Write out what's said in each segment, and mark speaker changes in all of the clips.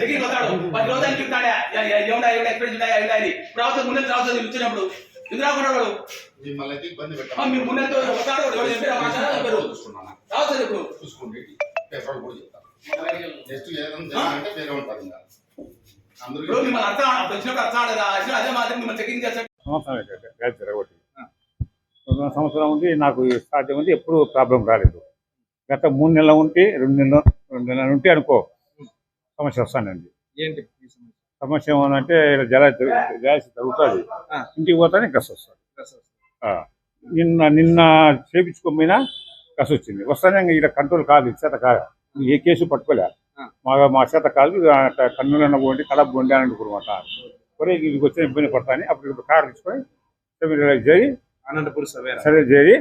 Speaker 1: checking వస్తాడు 10 రోజులు చెప్తాడా ఏముండా ఎక్స్ప్రెస్ ఉంటాయా అని రావచ్చు ముందు రావచ్చు వచ్చినప్పుడు ఎందుకు రాకుండా వాడు
Speaker 2: మిమ్మల్ని ఇబ్బంది పెట్టాలి
Speaker 1: మీ ముందు వస్తాడు రావచ్చు ఇప్పుడు
Speaker 2: చూసుకోండి పేపర్ కూడా చెప్తాను నెక్స్ట్ ఏదంటే వేరే ఉంటారు ఇంకా అందరూ
Speaker 1: మిమ్మల్ని అర్థం వచ్చినప్పుడు అర్థం ఆడదా అదే మాత్రం మిమ్మల్ని చెక్కింగ్ చేస్తాడు
Speaker 3: సంవత్సరం ఉంది నాకు సాధ్యం ఉంది ఎప్పుడు ప్రాబ్లం రాలేదు గత 3 నెలలు ఉంటే 2 నెలలు ఉంటే అనుకో సమస్య వస్తానండి
Speaker 4: ఏంటి
Speaker 3: సమస్య ఏమనంటే గ్యాస్ తగ్గుతుంది ఇంటికి పోతానే గస్ వస్తుంది నిన్న చేపించుకోకపోయినా గస్ వచ్చింది వస్తానే ఇక్కడ కంట్రోల్ కాదు చేత కాదు ఏ కేసు పట్టుకోలే మా చేత కాదు కన్నులన్న పోండి కడప పోండి అని అనుకున్నమాట ఒరే ఇదికి వచ్చిన ఇబ్బంది పడతాని అప్పుడు కారు తీసుకొని చేరి
Speaker 4: అనంతపురం
Speaker 3: సరే చేరి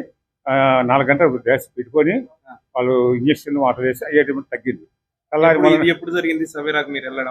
Speaker 3: 4 గంటలు గ్యాస్ పెట్టుకొని వాళ్ళు ఇంజక్షన్ వాటర్ వేసి అయ్యేటప్పుడు తగ్గింది
Speaker 4: ఇది ఎప్పుడు జరిగింది సవేరాకు మీరు వెళ్ళడం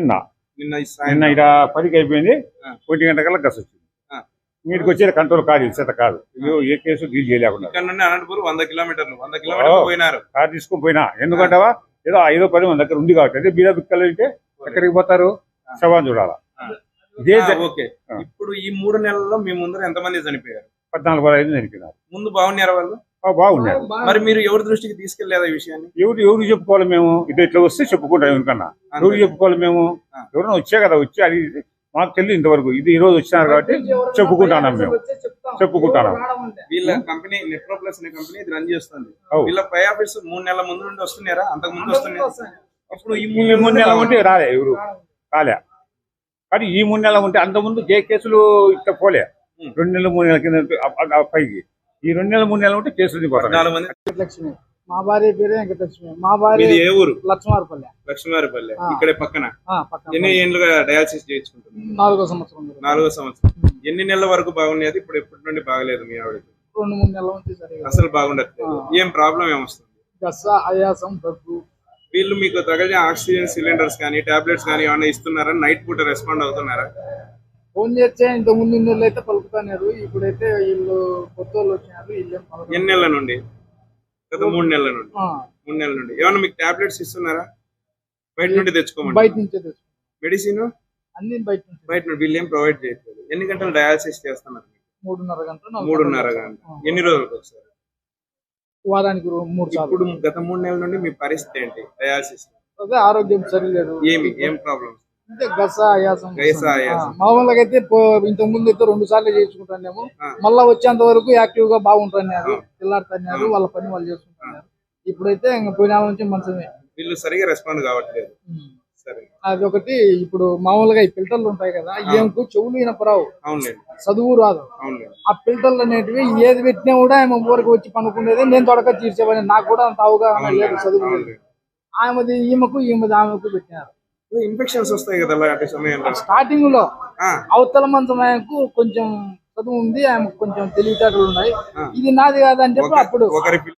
Speaker 3: నిన్న ఇక్కడ 10కి అయిపోయింది 1 గంట కల్లా గస్ వచ్చింది మీటికి వచ్చేది కంట్రోల్ కాదు చేత కాదు ఏ కేసు డీల్ చేయలేకుండా
Speaker 4: అనంతపురం 100 కిలోమీటర్లు పోయినారు
Speaker 3: కారు తీసుకొని పోయినా ఎందుకంటావా ఏదో 5-10 మన దగ్గర ఉంది కాబట్టి అదే బీద బిక్కలు అంటే ఎక్కడికి పోతారు శవాన్ని చూడాలా ఇదే
Speaker 4: ఓకే ఇప్పుడు ఈ 3 నెలల్లో మీ ముందర ఎంతమంది చనిపోయారు
Speaker 3: 14-15 చనిపోయినారు
Speaker 4: ముందు బాగున్నారు వాళ్ళు
Speaker 3: బాగున్నారు
Speaker 4: మరి మీరు ఎవరి దృష్టికి తీసుకెళ్లేదా ఈ విషయాన్ని
Speaker 3: ఎవరు చెప్పుకోవాలి మేము ఇట్లా వస్తే చెప్పుకుంటాం ఎవరికన్నా ఎవరు చెప్పుకోవాలి మేము ఎవరైనా వచ్చే కదా వచ్చి అది మాకు తెలియదు ఇంతవరకు ఇది ఈ రోజు వచ్చినారు కాబట్టి చెప్పుకుంటున్నాం మేము చెప్పుకుంటున్నాం
Speaker 4: వీళ్ళ కంపెనీ నెట్రోప్లస్ అనే కంపెనీ ఇది రన్ చేస్తుంది వీళ్ళ పై ఆఫీస్ 3 నెలల ముందు నుండి వస్తున్నారా అంతకు ముందు వస్తున్నారా ఇప్పుడు ఈ
Speaker 3: 3 నెలల ఉంటే రాలే ఎవరు రాలే కానీ ఈ 3 నెలలు ఉంటే అంతకుముందు ఏ కేసులు ఇట్లా పోలే 2 నెలలు 3 నెలల కింద పైకి ఈ 2 నెలలు 3 నెలలు ఉంటే కేసులు
Speaker 5: లక్ష్మి మా భార్య పేరు వెంకటలక్ష్మి మా భార్య
Speaker 4: ఏ ఊరు
Speaker 5: లక్ష్మారపల్లె
Speaker 4: ఇక్కడే పక్కన ఎన్ని ఏళ్ళుగా డయాలసిస్ చేయించుకుంటున్నారు
Speaker 5: 4వ సంవత్సరం
Speaker 4: ఎన్ని నెలల వరకు బాగుండేది ఇప్పుడు ఎప్పటి నుండి బాగలేదు మీ ఆవిడకి
Speaker 5: 2-3 నెలల నుంచి
Speaker 4: అసలు బాగుండట్లేదు ఏం ప్రాబ్లం ఏమొస్తుంది
Speaker 5: గస్స ఆయాసం దగ్గు
Speaker 4: వీళ్ళు మీకు తగిన ఆక్సిజన్ సిలిండర్స్ కానీ టాబ్లెట్స్ కానీ ఏమైనా ఇస్తున్నారా నైట్ పూట రెస్పాండ్ అవుతున్నారా
Speaker 5: ఫోన్ చేస్తే ఇంత ముందు నెలలు అయితే పలుకుతున్నారు ఇప్పుడైతే వీళ్ళు కొత్త వాళ్ళు వచ్చినారు
Speaker 4: ఎన్ని నెలల నుండి గత 3 నెలల నుండి 3 నెలల నుండి ఏమన్నా మీకు టాబ్లెట్స్ ఇస్తున్నారా బయట నుండి తెచ్చుకోమండి
Speaker 5: బయట నుంచే తెచ్చుకో
Speaker 4: మెడిసిన్
Speaker 5: అన్ని బయట
Speaker 4: నుండి వీళ్ళు ఏం ప్రొవైడ్ చేయట్లేదు ఎన్ని గంటలు డయాలసిస్ చేస్తున్నారు
Speaker 5: 3.5
Speaker 4: గంటలు ఎన్ని రోజులకు ఒకసారి
Speaker 5: వారానికి 3 సార్లు
Speaker 4: ఇప్పుడు గత 3 నెలల నుండి మీ పరిస్థితి ఏంటి డయాలసిస్
Speaker 5: అదే ఆరోగ్యం సరిలేదు
Speaker 4: ఏం ప్రాబ్లమ్
Speaker 5: అంటే గస ఆయాసం మామూలుగా అయితే ఇంతకు ముందు అయితే 2 సార్లు చేసుకుంటానేమో మళ్ళా వచ్చేంత వరకు యాక్టివ్ గా బాగుంటున్నారు పిల్లాడుతున్నారు వాళ్ళ పని వాళ్ళు చేసుకుంటున్నారు ఇప్పుడైతే ఇంకా పోయిన నుంచి మంచమే
Speaker 4: వీళ్ళు సరిగా రెస్పాండ్ కావట్లేదు
Speaker 5: అది ఒకటి ఇప్పుడు మామూలుగా ఈ ఫిల్టర్లు ఉంటాయి కదా ఏమకు చెవులు వినపరావు చదువు రాదు ఆ ఫిల్టర్లు అనేటివి ఏది పెట్టినా కూడా ఆమె ఊరికి వచ్చి పనుకునేది నేను తొడక తీర్చేవాడిని నాకు కూడా అంత అవగాహన లేదు చదువు లేదు ఆమెది ఆమెకు పెట్టినారు
Speaker 4: ఇన్ఫెక్షన్స్ వస్తాయి కదా అలాంటి సమయంలో
Speaker 5: స్టార్టింగ్ లో అవతల మంచం ఆయనకు కొంచెం చదువు ఉంది ఆమెకు కొంచెం తెలివితేటలు ఉన్నాయి ఇది నాది కాదని చెప్పి అప్పుడు